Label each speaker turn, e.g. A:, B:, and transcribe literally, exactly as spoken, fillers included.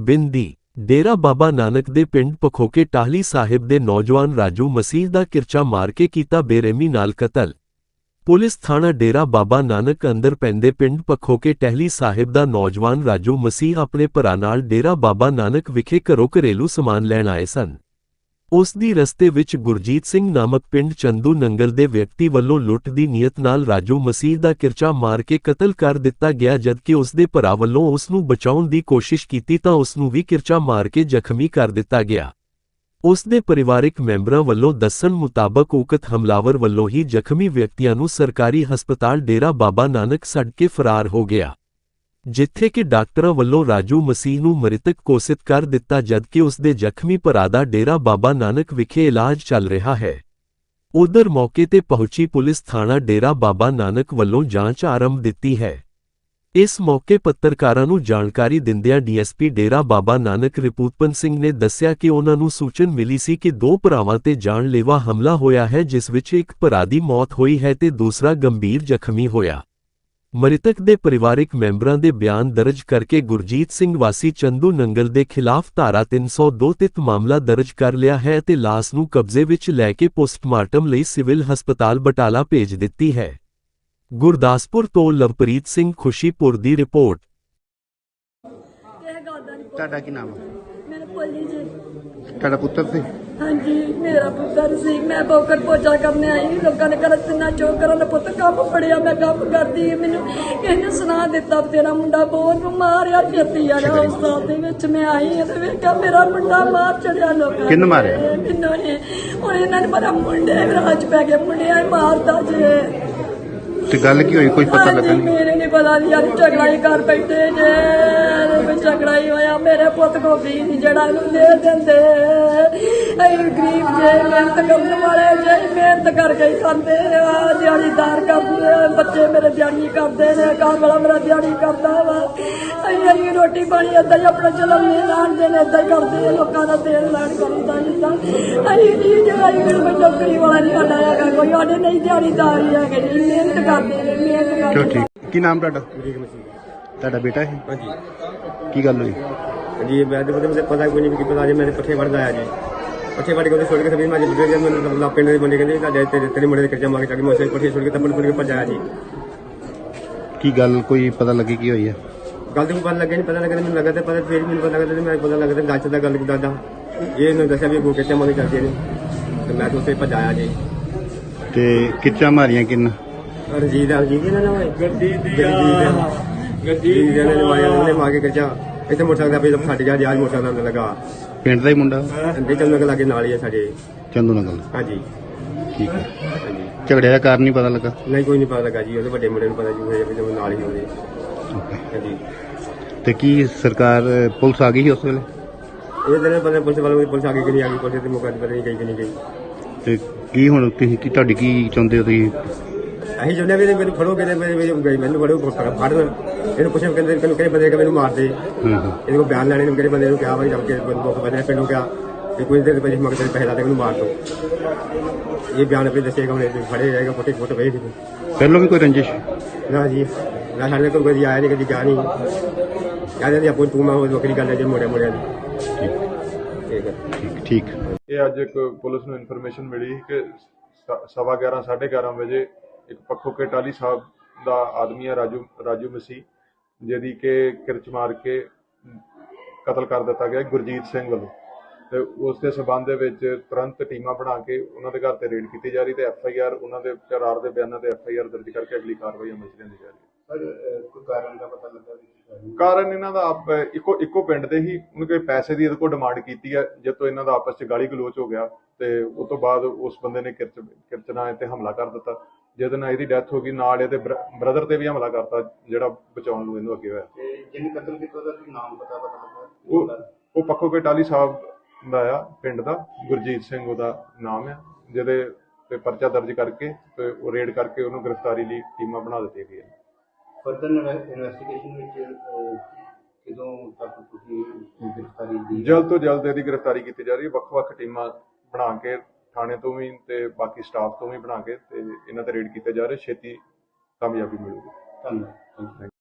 A: ਬਿੰਦੀ ਡੇਰਾ ਬਾਬਾ ਨਾਨਕ ਦੇ ਪਿੰਡ ਪਖੋਕੇ ਟਾਹਲੀ ਸਾਹਿਬ ਦੇ ਨੌਜਵਾਨ ਰਾਜੂ ਮਸੀਹ ਦਾ ਕਿਰਚਾ ਮਾਰ ਕੇ ਕੀਤਾ ਬੇਰਹਿਮੀ ਨਾਲ ਕਤਲ। ਪੁਲਿਸ ਥਾਣਾ ਡੇਰਾ ਬਾਬਾ ਨਾਨਕ ਅੰਦਰ ਪੈਂਦੇ ਪਿੰਡ ਪਖੋਕੇ ਟਾਹਲੀ ਸਾਹਿਬ ਦਾ ਨੌਜਵਾਨ ਰਾਜੂ ਮਸੀਹ ਆਪਣੇ ਭਰਾ ਨਾਲ ਡੇਰਾ ਬਾਬਾ ਨਾਨਕ ਵਿਖੇ ਘਰੋਂ ਘਰੇਲੂ ਸਮਾਨ ਲੈਣ ਆਏ ਸਨ। ਉਸ ਦੀ ਰਸਤੇ ਵਿੱਚ ਗੁਰਜੀਤ ਸਿੰਘ ਨਾਮਕ ਪਿੰਡ ਚੰਦੂ ਨੰਗਲ ਦੇ ਵਿਅਕਤੀ ਵੱਲੋਂ ਲੁੱਟ ਦੀ ਨੀਅਤ ਨਾਲ ਰਾਜੂ ਮਸੀਹ ਦਾ ਕਿਰਚਾ ਮਾਰ ਕੇ ਕਤਲ ਕਰ ਦਿੱਤਾ ਗਿਆ, ਜਦਕਿ ਉਸ ਦੇ ਭਰਾ ਵੱਲੋਂ ਉਸ ਨੂੰ ਬਚਾਉਣ ਦੀ ਕੋਸ਼ਿਸ਼ ਕੀਤੀ ਤਾਂ ਉਸ ਨੂੰ ਵੀ ਕਿਰਚਾ ਮਾਰ ਕੇ ਜ਼ਖਮੀ ਕਰ ਦਿੱਤਾ ਗਿਆ। ਉਸ ਦੇ ਪਰਿਵਾਰਕ ਮੈਂਬਰਾਂ ਵੱਲੋਂ ਦੱਸਣ ਮੁਤਾਬਕ ਉਕਤ ਹਮਲਾਵਰ ਵੱਲੋਂ ਹੀ ਜ਼ਖਮੀ ਵਿਅਕਤੀਆਂ ਨੂੰ ਸਰਕਾਰੀ ਹਸਪਤਾਲ ਡੇਰਾ ਬਾਬਾ ਨਾਨਕ ਛੱਡ ਕੇ ਫਰਾਰ ਹੋ ਗਿਆ, ਜਿੱਥੇ ਕਿ ਡਾਕਟਰਾਂ ਵੱਲੋਂ ਰਾਜੂ ਮਸੀਹ ਨੂੰ ਮ੍ਰਿਤਕ ਘੋਸ਼ਿਤ ਕਰ ਦਿੱਤਾ, ਜਦਕਿ ਉਸ ਦੇ ਜ਼ਖਮੀ ਭਰਾ ਦਾ ਡੇਰਾ ਬਾਬਾ ਨਾਨਕ ਵਿਖੇ ਇਲਾਜ ਚੱਲ ਰਿਹਾ ਹੈ। ਉਧਰ ਮੌਕੇ ਤੇ ਪਹੁੰਚੀ ਪੁਲਿਸ ਥਾਣਾ ਡੇਰਾ ਬਾਬਾ ਨਾਨਕ ਵੱਲੋਂ ਜਾਂਚ ਆਰੰਭ ਦਿੱਤੀ ਹੈ। ਇਸ ਮੌਕੇ ਪੱਤਰਕਾਰਾਂ ਨੂੰ ਜਾਣਕਾਰੀ ਦਿੰਦਿਆਂ ਡੀਐਸਪੀ ਡੇਰਾ ਬਾਬਾ ਨਾਨਕ ਰਿਪੂਤਪਨ ਸਿੰਘ ਨੇ ਦੱਸਿਆ ਕਿ ਉਹਨਾਂ ਨੂੰ ਸੂਚਨ ਮਿਲੀ ਸੀ ਕਿ ਦੋ ਭਰਾਵਾਂ ਤੇ ਜਾਨਲੇਵਾ ਹਮਲਾ ਹੋਇਆ ਹੈ, ਜਿਸ ਵਿੱਚ ਇੱਕ ਭਰਾ ਦੀ ਮੌਤ ਹੋਈ ਹੈ ਤੇ ਦੂਸਰਾ ਗੰਭੀਰ ਜ਼ਖਮੀ ਹੋਇਆ। ਮ੍ਰਿਤਕ ਦੇ ਪਰਿਵਾਰਕ ਮੈਂਬਰਾਂ ਦੇ ਬਿਆਨ ਦਰਜ ਕਰਕੇ ਗੁਰਜੀਤ ਸਿੰਘ ਵਾਸੀ ਚੰਦੂ ਨੰਗਲ ਦੇ ਖਿਲਾਫ ਧਾਰਾ ਤਿੰਨ ਸੌ ਦੋ ਤਹਿਤ ਮਾਮਲਾ ਦਰਜ ਕਰ ਲਿਆ ਹੈ ਅਤੇ ਲਾਸ਼ ਨੂੰ ਕਬਜ਼ੇ ਵਿੱਚ ਲੈ ਕੇ ਪੋਸਟਮਾਰਟਮ ਲਈ ਸਿਵਲ ਹਸਪਤਾਲ ਬਟਾਲਾ ਭੇਜ ਦਿੱਤੀ ਹੈ। ਗੁਰਦਾਸਪੁਰ ਤੋਂ ਲਵਪ੍ਰੀਤ ਸਿੰਘ ਖੁਸ਼ੀਪੁਰ ਦੀ ਰਿਪੋਰਟ।
B: ਤੁਹਾਡਾ ਕੀ ਨਾਮ ਹੈ?
C: ਮੇਰਾ ਭੋਲੀ ਜੀ।
B: ਤੁਹਾਡਾ ਪੁੱਤਰ ਸੀ?
C: ਹਾਂਜੀ, ਮੇਰਾ ਪੁੱਤਰ ਸੀ। ਮੈਂ ਬੋਕਰ ਪੋਚਾ ਕਰਨੇ ਆਈ, ਲੋਕਾਂ ਨੇ ਘਰ ਤਿੰਨਾ ਚੋਕ ਕਰਨ ਪੁੱਤ ਕੰਮ ਫੜਿਆ, ਮੈਂ ਕੰਮ ਕਰਦੀ। ਮੈਨੂੰ ਇਹਨੇ ਸੁਣਾ ਦਿੱਤਾ ਤੇਰਾ ਮੁੰਡਾ ਬਹੁਤ ਨੂੰ ਮਾਰਿਆ ਛੇਤੀ ਆ ਰਿਹਾ। ਉਸ ਸਾਲ ਦੇ ਵਿੱਚ ਮੈਂ ਆਈ ਤੇ ਵੇਖਿਆ ਮੇਰਾ ਮੁੰਡਾ ਮਾਰ ਚੜਿਆ ਲੋਕਾਂ।
B: ਕਿੰਨ ਮਾਰਿਆ?
C: ਮੈਨੂੰ ਨੇ। ਹੁਣ ਇਹਨਾਂ ਨੇ ਮੇਰਾ ਮੁੰਡੇ ਰਾਜ ਪੈ ਗਏ, ਮੁੰਡਿਆਂ ਹੀ ਮਾਰਦਾ ਜੇ।
B: ਤੇ ਗੱਲ ਕੀ ਹੋਈ, ਕੋਈ ਪਤਾ ਲੱਗਾ ਨਹੀਂ?
C: ਮੇਰੇ ਨਹੀਂ ਪਤਾ ਨਹੀਂ ਯਾਰ, ਝਗੜਾ ਹੀ ਕਰ ਬੈਠੇ ਜੇ। ਝਗੜਾ ਹੀ ਹੋਇਆ, ਮੇਰੇ ਪੁੱਤ ਕੋ ਵੀ ਨਹੀਂ ਜਿਹੜਾ ਇਹਨੂੰ ਦੇ ਦਿੰਦੇ। ਅਸੀਂ ਗਰੀਬ ਜੇ, ਮਿਹਨਤ ਕਰਨ ਵਾਲੇ ਜੇ, ਮਿਹਨਤ ਕਰਕੇ ਹੀ ਖਾਂਦੇ ਆ, ਦਿਹਾੜੀਦਾਰ ਕਰਦੇ। ਬੱਚੇ ਮੇਰੇ ਦਿਹਾੜੀ ਕਰਦੇ ਨੇ, ਘਰ ਵਾਲਾ ਮੇਰਾ ਦਿਹਾੜੀ ਕਰਦਾ ਵਾ। ਅਸੀਂ ਅਸੀਂ ਰੋਟੀ ਪਾਣੀ ਏਦਾਂ ਹੀ ਆਪਣਾ ਚਲਨ ਨਹੀਂ ਲਾਣਦੇ ਨੇ, ਏਦਾਂ ਹੀ ਕਰਦੇ। ਲੋਕਾਂ ਦਾ ਤੇਲ ਲਾਣ ਕਰੀਦਾ ਜਿੱਦਾਂ। ਅਸੀਂ ਨਹੀਂ ਜਿਹੜਾ ਕੋਈ ਨੌਕਰੀ ਵਾਲਾ ਨਹੀਂ ਸਾਡਾ ਹੈਗਾ, ਕੋਈ ਸਾਡੇ ਨਹੀਂ ਦਿਹਾੜੀਦਾਰ ਹੀ ਹੈਗੇ ਜੀ, ਮਿਹਨਤ ਕਰਦੇ ਨੇ, ਮਿਹਨਤ ਕਰਦੇ।
B: ਠੀਕ। ਕੀ ਨਾਮ ਤੁਹਾਡਾ? ਤੁਹਾਡਾ ਬੇਟਾ ਹੈ?
D: ਹਾਂਜੀ।
B: ਕੀ ਗੱਲ ਹੋਈ?
D: जी मैं तो मुझे पता कोई नहीं कि पता जी मेरे पट्ठे वड़ गया जी। पट्ठे वड़ के छोड़ के सभी मैं जी मैं पिंड के बंदे कहते तेरे तेरे मुंडे खर्चा मांगे ताकि मैं पट्ठे छोड़ के तब छोड़ के भजाया जी।
B: की गल कोई पता लगी की हुई है?
D: गल तो पता लगे नहीं, पता लगे मैंने लगा पता फिर मैंने पता लगा मैं पता लगा गल का गल दादा ये दसा भी वो खर्चा मांगे करते हैं तो मैं तो उसे भजाया जी।
B: ते किच्चा मारियां किन?
D: रंजीत रंजीत ना गड्डी गड्डी मार के खर्चा इतने मोटरसाइकिल पे फट गया जी। आज मोटरसाइकिल लगा
B: पिंड का ही मुंडा?
D: चंदू नगल लागे नाल ही है साडे।
B: चंदू नगल?
D: हाँ जी।
B: ठीक है। झगड़े का कारण नहीं पता लगा?
D: नहीं कोई नहीं पता लगा जी, वो बड़े मुंडे पता जी नाल ही होंगे। हाँ जी।
B: ते की सरकार पुलिस आ गई उस वेले?
D: ये दिन पता पुलिस वालों पुलिस आ गई कि नहीं आ गई, पुलिस के मौके पता नहीं गई कि नहीं गई।
B: ते की हुण तुसीं की तुहाडी की चाहुंदे हो तुसीं?
D: ਅਸੀਂ ਚਾਹੁੰਦੇ ਵੀ ਮੈਨੂੰ ਫੜੋ ਕਹਿੰਦੇ ਮੇਰੇ ਮੈਨੂੰ ਫੜੋ ਫੜਨ ਇਹਨੂੰ ਪੁੱਛਿਆ ਕਹਿੰਦੇ ਕਿਹਨੂੰ ਕਿਹੜੇ ਬੰਦੇ ਮੈਨੂੰ ਮਾਰ ਦੇ। ਇਹਦੇ ਕੋਲ ਬਿਆਨ ਲੈਣੇ ਨੂੰ ਕਿਹੜੇ ਬੰਦੇ ਨੂੰ ਕਿਹਾ ਵਾ ਜਦ ਕਿ ਬੰਦੂਕ ਬੰਦੇ ਪਿੰਡੋਂ ਕਿਹਾ ਕਿ ਕੁਝ ਦੇਰ ਪਹਿਲੇ ਮਗਰ ਪੈਸੇ ਲਾ ਦੇ ਮੈਨੂੰ ਮਾਰ ਦੋ। ਇਹ ਬਿਆਨ ਆਪਣੇ ਦੱਸੇਗਾ, ਹੁਣ ਫੜੇ ਜਾਏਗਾ, ਫੋਟੇ ਫੋਟੋ ਵੇਖ
B: ਪਹਿਲਾਂ ਵੀ ਕੋਈ ਰੰਜਿਸ਼?
D: ਨਾ ਜੀ ਨਾ, ਸਾਡੇ ਕੋਲ ਕੋਈ ਆਇਆ ਨਹੀਂ, ਕਦੀ ਗਿਆ ਨਹੀਂ। ਕਹਿੰਦੇ ਜੀ ਆਪੋ ਤੂੰ ਮੈਂ ਉਹ ਵੱਖਰੀ ਗੱਲ ਹੈ ਜੀ ਮੋੜਿਆ ਮੋੜਿਆ ਦੀ। ਠੀਕ ਹੈ
B: ਠੀਕ ਠੀਕ।
E: ਇਹ ਅੱਜ ਇੱਕ ਪੁਲਿਸ ਨੂੰ ਇਨਫੋਰਮੇਸ਼ਨ ਮਿਲੀ ਕਿ ਸਵਾ ਗਿਆਰਾਂ ਸਾਢੇ ਗਿਆਰਾਂ ਵਜੇ ਇੱਕ ਪਖੋਕੇ ਟਾਹਲੀ ਸਾਹਿਬ ਦਾ ਆਦਮੀ ਹੈ ਰਾਜੂ ਰਾਜੂ ਮਸੀਹ, ਜਿਹਦੀ ਕਿ ਕਿਰਚ ਮਾਰ ਕੇ ਕਤਲ ਕਰ ਦਿੱਤਾ ਗਿਆ ਗੁਰਜੀਤ ਸਿੰਘ ਵੱਲੋਂ। ਤੇ ਉਸ ਦੇ ਸਬੰਧ ਦੇ ਵਿੱਚ ਤੁਰੰਤ ਟੀਮਾਂ ਬਣਾ ਕੇ ਉਹਨਾਂ ਦੇ ਘਰ ਤੇ ਰੇਡ ਕੀਤੀ ਜਾ ਰਹੀ ਤੇ ਐਫ ਆਈ ਆਰ ਉਹਨਾਂ ਦੇ ਕਰਾਰ ਦੇ ਬਿਆਨਾਂ ਤੇ ਐਫ ਆਈ ਆਰ ਦਰਜ ਕਰਕੇ ਅਗਲੀ ਕਾਰਵਾਈ ਅਮਲ ਚ ਲਿਆਂਦੀ ਜਾ ਰਹੀ ਹੈ।
B: ਕੋਈ ਕਾਰਨ ਦਾ ਪਤਾ ਲੱਗਾ?
E: ਕਾਰਨ ਇਹਨਾਂ ਦਾ ਆਪ ਇੱਕੋ ਇੱਕੋ ਪਿੰਡ ਦੇ ਹੀ ਉਹਨੇ ਕੋਈ ਪੈਸੇ ਦੀ ਇਹਦੇ ਕੋਲ ਡਿਮਾਂਡ ਕੀਤੀ ਹੈ, ਜਦ ਤੋਂ ਇਹਨਾਂ ਦਾ ਆਪਸ ਚ ਗਾਲੀ ਗਲੋਚ ਹੋ ਗਿਆ ਤੇ ਉਸ ਤੋਂ ਬਾਅਦ ਉਸ ਬੰਦੇ ਨੇ ਕਿਰਚ ਕਿਰਚਨਾ ਤੇ ਹਮਲਾ ਕਰ ਦਿੱਤਾ, ਜਿਹਦੇ ਨਾਲ ਇਹਦੀ ਡੈਥ ਹੋ ਗਈ। ਨਾਲ ਇਹਦੇ ਬ੍ਰਦਰ ਤੇ ਵੀ ਹਮਲਾ ਕਰਤਾ ਜਿਹੜਾ ਬਚਾਉਣ ਨੂੰ ਇਹਨੂੰ ਅੱਗੇ ਹੋਇਆ।
B: ਜਿਹਨੇ ਕਤਲ ਕੀਤਾ ਉਹਦਾ ਨਾਮ ਪਤਾ ਪਤਾ ਲੱਗਾ?
E: ਉਹ ਉਹ ਪਖੋਕੇ ਟਾਹਲੀ ਸਾਹਿਬ ਦਾ ਆ ਪਿੰਡ ਦਾ, ਗੁਰਜੀਤ ਸਿੰਘ ਉਹਦਾ ਨਾਮ ਆ, ਜਿਹਦੇ ਤੇ ਪਰਚਾ ਦਰਜ ਕਰਕੇ ਤੇ ਉਹ ਰੇਡ ਕਰਕੇ ਉਹਨੂੰ ਗ੍ਰਿਫਤਾਰੀ ਲਈ ਟੀਮਾਂ ਬਣਾ ਦਿੱਤੀਆਂ ਗਈਆਂ।
B: ਫਰਦਰ ਇਨਵੈਸਟੀਗੇਸ਼ਨ ਵਿੱਚ ਕਿਦੋਂ ਤੱਕ ਤੁਸੀਂ ਗ੍ਰਿਫਤਾਰੀ ਦੀ?
E: ਜਲਦ ਤੋਂ ਜਲਦ ਇਹਦੀ ਗ੍ਰਿਫਤਾਰੀ ਕੀਤੀ ਜਾ ਰਹੀ ਹੈ। ਵੱਖ-ਵੱਖ ਟੀਮਾਂ ਬਣਾ ਕੇ ਥਾਣੇ ਤੋਂ ਵੀ ਤੇ ਬਾਕੀ ਸਟਾਫ ਤੋਂ ਵੀ ਬਣਾ ਕੇ ਤੇ ਇਹਨਾਂ ਤੇ ਰੇਡ ਕੀਤੇ ਜਾ ਰਹੇ, ਛੇਤੀ ਕਾਮਯਾਬੀ ਮਿਲੂਗੀ।
B: ਧੰਨਵਾਦ।